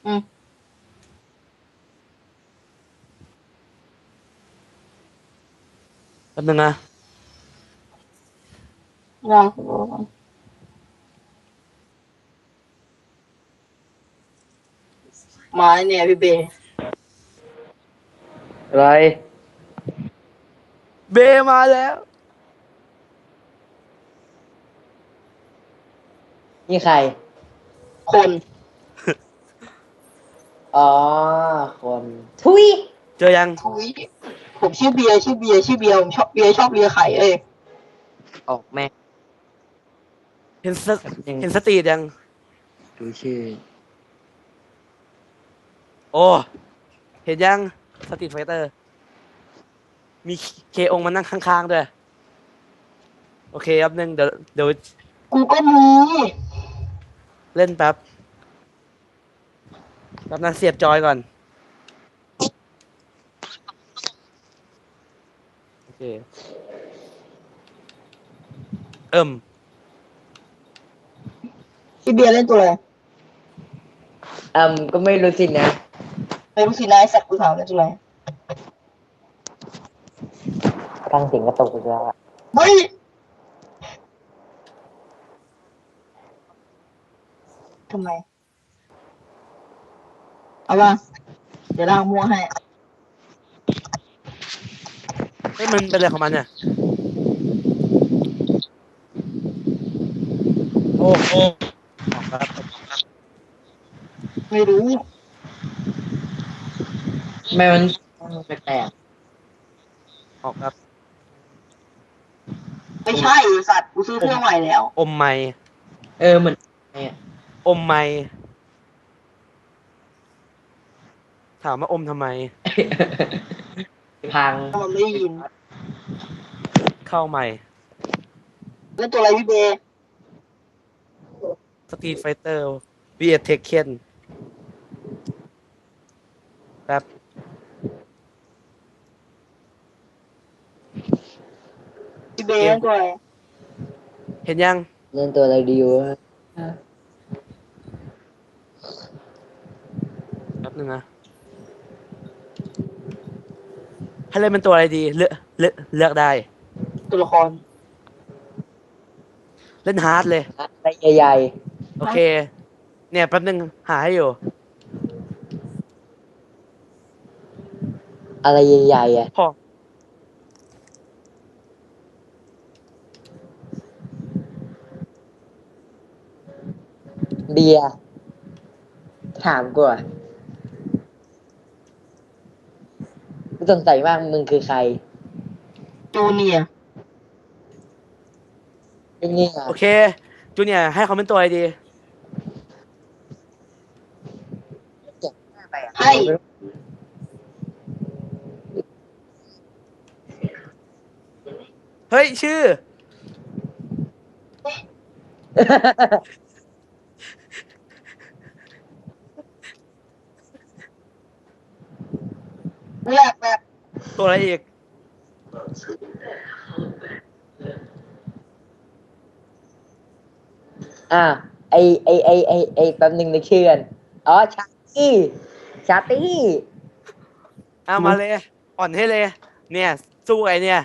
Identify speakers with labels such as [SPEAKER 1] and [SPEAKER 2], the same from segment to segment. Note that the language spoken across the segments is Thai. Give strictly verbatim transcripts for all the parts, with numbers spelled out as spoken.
[SPEAKER 1] อืม
[SPEAKER 2] แป๊บนึงนะ
[SPEAKER 1] ลองดูก่อนมาเนี่ยพี่เบย์
[SPEAKER 3] อะไร
[SPEAKER 2] เบมาแล้ว
[SPEAKER 3] นี่ใคร
[SPEAKER 1] คน
[SPEAKER 3] อ๋อคนทุย
[SPEAKER 2] เจอยัง
[SPEAKER 1] ทุยผมชื่อเบียร์ชื่อเบียร์ชื่อเบียร์ผมชอบเบียร์ชอบเบียร์ไข่เอ้ย
[SPEAKER 3] ออกแม่
[SPEAKER 2] เห็นสต
[SPEAKER 3] ยัง
[SPEAKER 2] เห็นสตรีทยัง
[SPEAKER 3] ดูชื่อ
[SPEAKER 2] โอ้ เห็นยังสตรีทไฟเตอร์ มีเคองมานั่งข้างๆด้วย โอเคแป๊บนึงเดี๋ยวเดี๋ยว
[SPEAKER 1] กูก็มี
[SPEAKER 2] เล่นแป๊บแป๊บนะเสียบจอยก่อน โอเค เอิ่ม
[SPEAKER 1] พี่เบียร์เล่นตัวอะไร
[SPEAKER 3] อืมก็ไม่รู้สินะ
[SPEAKER 1] ไม่รู้สินะไอ้สัตว์กูถามเล่นตัวอะไร
[SPEAKER 3] ตั้งเสียงกระตุกอีกแล้วอะ
[SPEAKER 1] เฮ้ยทำไมเอาป่ะเดี๋ยวล้างมัวให้
[SPEAKER 2] เฮ้ยมันเป็นอะไรของมันเนี่ย โอ้โอ้ออกครับ
[SPEAKER 1] ไม่รู้
[SPEAKER 3] แม่มันแปลก
[SPEAKER 2] ออกครับ
[SPEAKER 1] ไม่ใช่ไอ้สัตว์กูซื้อเครื่องใหม่แล้ว
[SPEAKER 2] อมไม้
[SPEAKER 3] ๆเออเหมือนเนี่ย
[SPEAKER 2] อมไม้ถามว่าอมทำไม
[SPEAKER 3] พัง
[SPEAKER 1] ถ้ามันไม่ได้ยิน
[SPEAKER 2] เข้าใหม่
[SPEAKER 1] เล่นตัวอะไรพี่เบย์
[SPEAKER 2] สตรีทไฟเตอร์วีเอเทคเคนแป๊บ
[SPEAKER 1] พี่เบย์เล่นตัวอะไร
[SPEAKER 2] เห็นยัง
[SPEAKER 3] เล่นตัวอะไรดีวะ
[SPEAKER 2] แป๊บนึงนะให้เล่นเป็นตัวอะไรดี เลือกเลือกเลือกได้
[SPEAKER 1] ตัวละคร
[SPEAKER 2] เล่นฮาร์ดเลย
[SPEAKER 3] อะไรใหญ่
[SPEAKER 2] โอเค เนี่ยแป๊บนึงหาให้อยู่
[SPEAKER 3] ๆอะไรใหญ่ๆอ่ะ
[SPEAKER 2] พอ
[SPEAKER 3] เบียร์ถามกูอ่ะกูสงสัยมากมึงคือใคร
[SPEAKER 1] จูเนียร์
[SPEAKER 3] ไอ้นี่อ่ะ
[SPEAKER 2] โอเค จูเนียร์ให้เขาเป็นตัวอะไรดี
[SPEAKER 3] เจ็บหน้าไปอ่ะ
[SPEAKER 1] ให้
[SPEAKER 2] เฮ้ย ชื่อ
[SPEAKER 1] เลือกแบบ
[SPEAKER 2] ตัวอะไรอีก
[SPEAKER 3] อ่าไอไอไอไอไอแป๊บหนึ่งในชื่อกันอ๋อชาตี้ชาตี้
[SPEAKER 2] เอามาเลย อ่อนให้เลย เนี่ย สู้ไอเนี่ย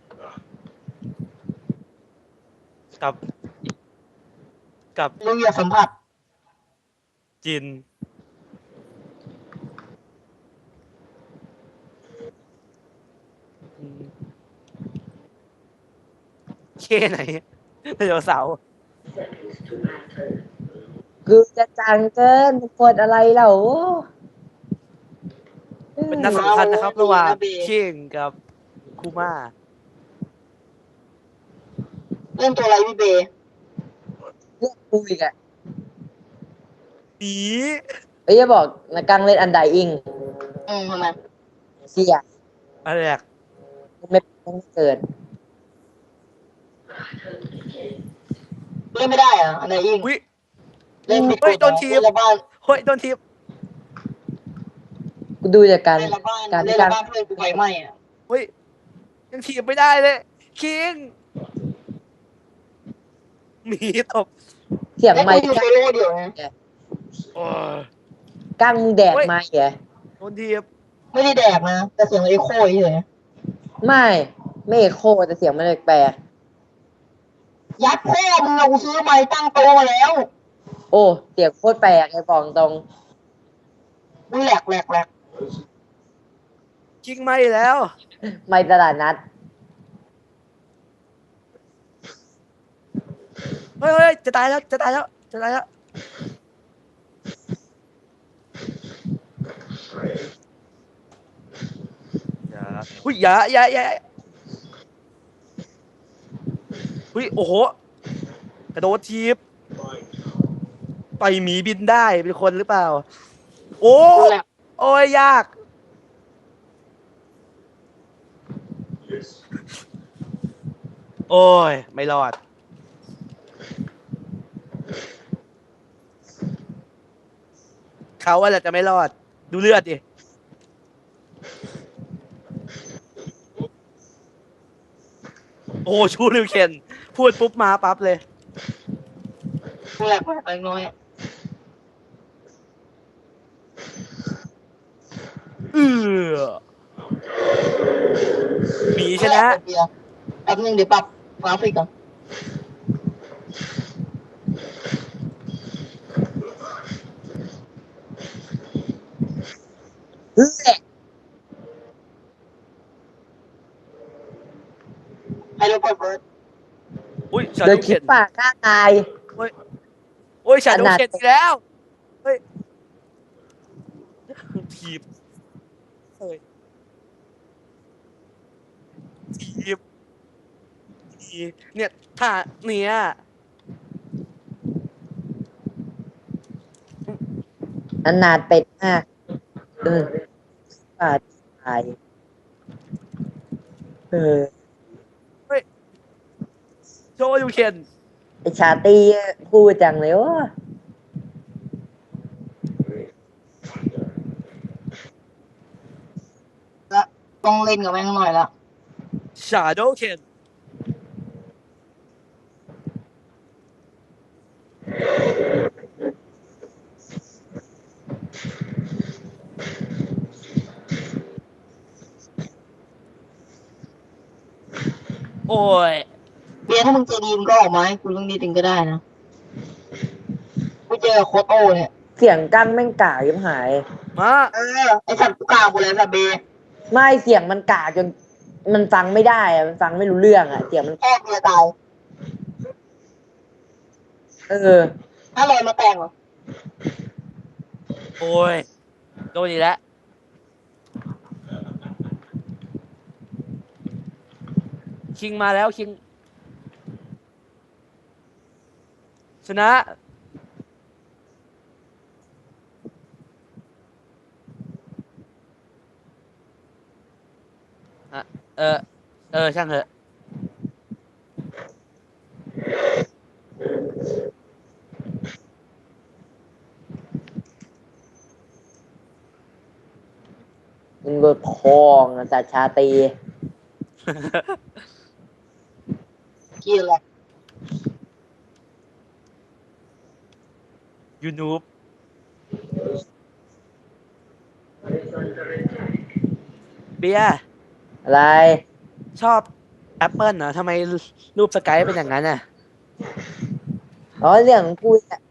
[SPEAKER 2] กับ กับ
[SPEAKER 1] เรื่องอยากสัมผัส
[SPEAKER 2] จิน เคไหนไดโนเสาร์
[SPEAKER 3] กูจะจังเกินกดอะไรเหล่า
[SPEAKER 2] เป็นนัดสำคัญนะครับ ระหว่างคิงกับคูมา
[SPEAKER 1] เล่นตัวอะไรพี่เบย์
[SPEAKER 3] เลือกกูอีกอ่ะ
[SPEAKER 2] ปี
[SPEAKER 3] เอ้ยจะบอกนะกังเล่นอันไดอิง
[SPEAKER 1] อืมทำไม
[SPEAKER 3] เสีย
[SPEAKER 2] อะไรอะ
[SPEAKER 3] ไม่ไม่เกิด
[SPEAKER 1] เล่นไม่ได้เหรอะอันไหนยิง
[SPEAKER 2] วิ
[SPEAKER 1] เล่นผิดก
[SPEAKER 2] เฮ้ย
[SPEAKER 1] ฎ
[SPEAKER 2] โดนทีบ
[SPEAKER 1] เล่นละบ้าน
[SPEAKER 2] เฮ้ย โดนทีบ
[SPEAKER 3] กูดูจากการ
[SPEAKER 1] เล่นละบ้าน
[SPEAKER 3] การ
[SPEAKER 1] เล่
[SPEAKER 3] ที่
[SPEAKER 1] น
[SPEAKER 3] กา
[SPEAKER 1] ละ
[SPEAKER 3] ร
[SPEAKER 1] บ้านเพื่อนกูไฟไหม้อะ
[SPEAKER 2] เฮ้ย ยังทีบไม่ได้เลย คิงหมีตบ
[SPEAKER 3] เสียง
[SPEAKER 1] แล้ว
[SPEAKER 3] ไม่
[SPEAKER 1] กูอยู่โซโล่เดียวนะ
[SPEAKER 2] โอ้ย
[SPEAKER 3] กั้งมึงแดกมาเหรอ
[SPEAKER 2] โดนทีบ
[SPEAKER 1] ไม่ได้แดกนะแต่เสียงเอ็โคเฉย
[SPEAKER 3] ไม่ไม่เอกโคแต่เสียงมันแปลก
[SPEAKER 1] ๆยัดพ่อมึงเอากูซื้อไม้ตั้งโต๊ะมาแล้ว
[SPEAKER 3] ๆโอ้เสียงโคตรแปลกไอ้ฟองตรง
[SPEAKER 1] อุ้ยแหลกแหลกแหลก
[SPEAKER 2] ชิงไม่แล้ว
[SPEAKER 3] ไม่ตลาดนัด
[SPEAKER 2] เฮ้ยเฮ้ยจะตายแล้วจะตายแล้วจะตายแล้วอย่าอุ้ยอย่าอย่าอย่าอุ้ยโอ้โหกระโดดทีบต่อยหมีบินได้เป็นคนหรือเปล่า โอ้
[SPEAKER 1] อุ้ยแหลก
[SPEAKER 2] โอ้ยยากโอ้ยไม่รอดเขาว่าจะไม่รอดดูเลือดดิโอ้ชูริวเคนพูดปุ๊บมาปั๊บเลย
[SPEAKER 1] อุ้ยแหลกแหลกเล็กน้อย
[SPEAKER 2] เออหมีชนะ
[SPEAKER 1] เดี๋ยวแป๊บนึงเดี๋ยวปรับกราฟิกก่อน
[SPEAKER 3] เฮ้ย
[SPEAKER 1] ให้เราเปิดเบิร์ด
[SPEAKER 2] อุ้ยชา
[SPEAKER 3] เดิ
[SPEAKER 2] โด
[SPEAKER 3] น
[SPEAKER 2] ว์
[SPEAKER 3] คิ
[SPEAKER 2] เข็
[SPEAKER 3] ด
[SPEAKER 2] น
[SPEAKER 3] ปากฆ่าตาย
[SPEAKER 2] โอ้ยชาโดว์เข็นอีกแล้วเฮ้ยทีบเฮ้ยทีบทีบเนี่ยท่าเนี่ย
[SPEAKER 3] อนาถเป็ดมากเออปาดตายเออ
[SPEAKER 2] โชว์ยูเข็น
[SPEAKER 3] ไอชาตี้พูดจังเลยว่า
[SPEAKER 1] ละต้องเล่นกับแม่งหน่อยละ
[SPEAKER 2] ชาโดว์เข็นโอ้ย
[SPEAKER 1] เบียร์ถ้ามึงใจดีมึงก็ออกมาให้กูเรื่องนี้ถึงก็ได้นะกูเจอกับโคตโต้เนี่ย
[SPEAKER 3] เสียงกั้งแม่งกากยิ่งหาย
[SPEAKER 2] มา
[SPEAKER 1] เออไอสัตว์กูกลางหมดเลยสัตว์เบย์
[SPEAKER 3] ไม่เสียงมันกากจนมันฟังไม่ได้อะมันฟังไม่รู้เรื่องอะเสียงมัน
[SPEAKER 1] แค่เบียร์ตาย
[SPEAKER 3] เออ
[SPEAKER 1] ถ้าลอยมาแต่งเหรอ
[SPEAKER 2] โอ้ยโดนอีกแล้วคิงมาแล้วคิงชนะอ่ะเออเออช่างเถอะ
[SPEAKER 3] มึงโดนคองอะแต่ชาตี
[SPEAKER 1] เกียร์แหละ
[SPEAKER 2] ยูนูบเบียร์
[SPEAKER 3] อะไร
[SPEAKER 2] ชอบแอปเปิลเหรอทำไมรูปสกายเป็นอย่างนั้นอ่ะ
[SPEAKER 3] อ๋อเรื่องของกูอะ